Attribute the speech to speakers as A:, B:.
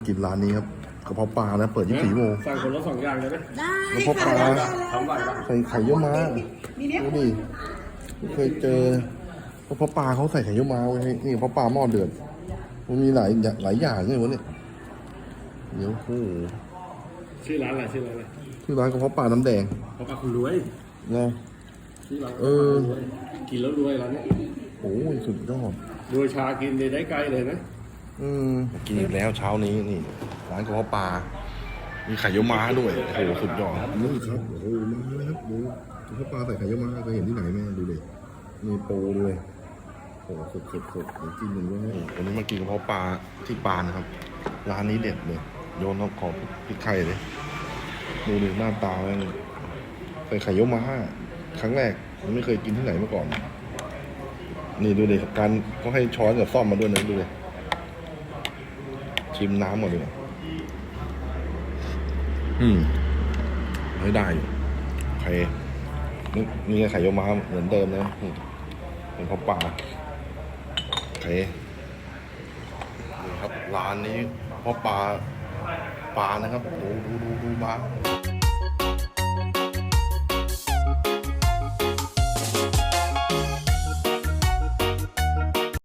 A: กินร้านนี้ครับกระเพาะปลานะเปิด24 โมง
B: สั่งคนละ2 อย่างเลยไหม
C: ได้
A: กระเพาะปลา
B: ทำไหวปะ
A: ใส่ไข่เยี่ยวม้าดูดิไม่เคยเจอกระเพาะปลาเขาใส่ไข่เยี่ยวม้าไว้ให้นี่กระเพาะปลาหม้อเดือดมันมีหลายอย่างเลยวะเนี่ยเดี๋ยวโอ้โห
B: ชื่อร้านอะไรชื่อร้านอะไร
A: ที่ร้านกระเพาะปลาน้ำแดง
B: เพราะปลาคุณรวย
A: นะ
B: ชื่อร้าน
A: เออ
B: รวยกินแล้วรวยร้านเนี้ย
A: โอ้ยสุดยอด
B: รวยชากินได้ไกลเลยนะ
A: กินอีกแล้วเช้านี้นี่ร้านกระเพาะปลามีไข่เยี่ยวม้าด้วยโอ้โหสุดยอดนี่ครับโอ้โหมาเลยครับดูกระเพาะปลาใส่ไข่เยี่ยวม้าเคยเห็นที่ไหนไหมดูดิมีปูด้วยโอ้โหสดเดี๋ยวกินหนึ่งด้วยวันนี้มากินกระเพาะปลาที่ปานนะครับร้านนี้เด็ดเลยโยนขอพริกไทยเลยดูดิหน้าตาแม่งใส่ไข่เยี่ยวม้าครั้งแรกมันไม่เคยกินที่ไหนมาก่อนนี่ดูดิการก็ให้ช้อนกับซ่อมมาด้วยนะดูดิชิมน้ำหมดเลยไม่ได้อยู่โอเคนี่ไข่เยี่ยวม้าเหมือนเดิมนะเป็นข้าวปลาโอเคนี่ครับร้านนี้ข้าวปลานะครับดูมา